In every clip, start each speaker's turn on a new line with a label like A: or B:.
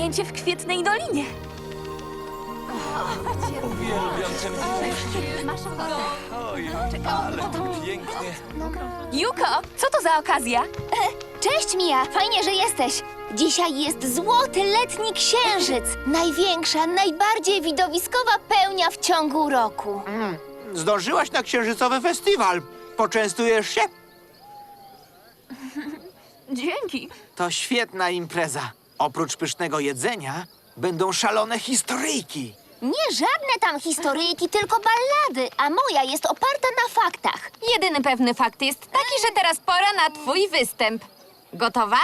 A: zajęcie w Kwietnej Dolinie.
B: Uwielbiam ten widok. Oj, ale tu pięknie.
A: Juko, co to za okazja?
C: Cześć, Mia! Fajnie, że jesteś. Dzisiaj jest złoty letni księżyc. Największa, najbardziej widowiskowa pełnia w ciągu roku.
D: Zdążyłaś na księżycowy festiwal. Poczęstujesz się?
A: Dzięki.
D: To świetna impreza. Oprócz pysznego jedzenia będą szalone historyjki.
C: Nie żadne tam historyjki, tylko ballady, a moja jest oparta na faktach.
E: Jedyny pewny fakt jest taki, że teraz pora na twój występ. Gotowa?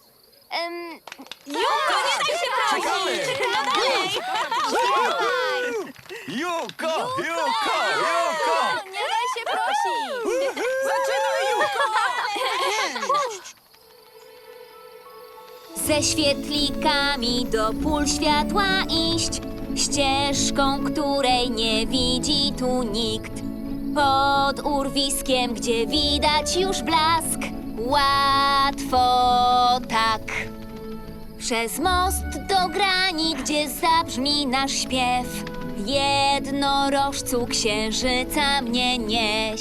B: Czekamy! Juko! Juko! Juko!
A: Nie daj się prosić.
B: Zaczynaj, Juko!
C: Ze świetlikami do pól światła iść, ścieżką, której nie widzi tu nikt. Pod urwiskiem, gdzie widać już blask, łatwo tak. Przez most do grani, gdzie zabrzmi nasz śpiew, jednorożcu księżyca mnie nieś.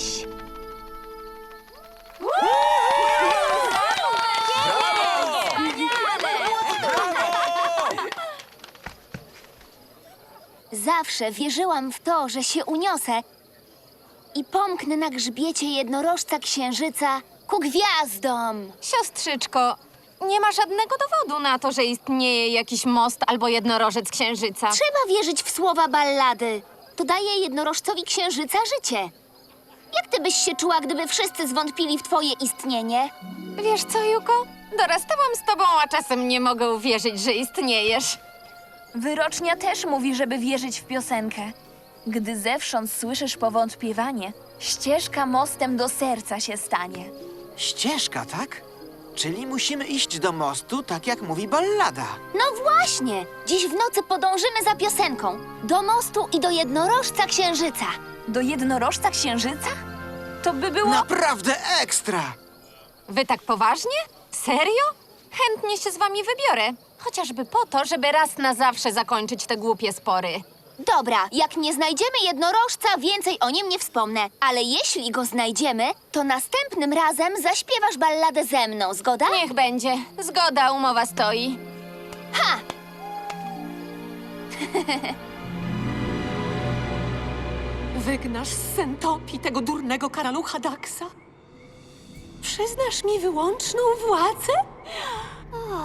C: Zawsze wierzyłam w to, że się uniosę i pomknę na grzbiecie jednorożca księżyca ku gwiazdom.
E: Siostrzyczko, nie ma żadnego dowodu na to, że istnieje jakiś most albo jednorożec księżyca.
C: Trzeba wierzyć w słowa ballady. To daje jednorożcowi księżyca życie. Jak ty byś się czuła, gdyby wszyscy zwątpili w twoje istnienie?
E: Wiesz co, Juko? Dorastałam z tobą, a czasem nie mogę uwierzyć, że istniejesz.
A: Wyrocznia też mówi, żeby wierzyć w piosenkę. Gdy zewsząd słyszysz powątpiewanie, ścieżka mostem do serca się stanie.
D: Ścieżka, tak? Czyli musimy iść do mostu, tak jak mówi ballada.
C: No właśnie! Dziś w nocy podążymy za piosenką. Do mostu i do jednorożca księżyca.
A: Do jednorożca księżyca? To by było...
D: Naprawdę ekstra!
E: Wy tak poważnie? Serio? Chętnie się z wami wybiorę. Chociażby po to, żeby raz na zawsze zakończyć te głupie spory.
C: Dobra, jak nie znajdziemy jednorożca, więcej o nim nie wspomnę. Ale jeśli go znajdziemy, to następnym razem zaśpiewasz balladę ze mną, zgoda?
E: Niech będzie. Zgoda, umowa stoi.
C: Ha!
F: Wygnasz z Sentopii tego durnego karalucha Daxa? Przyznasz mi wyłączną władzę?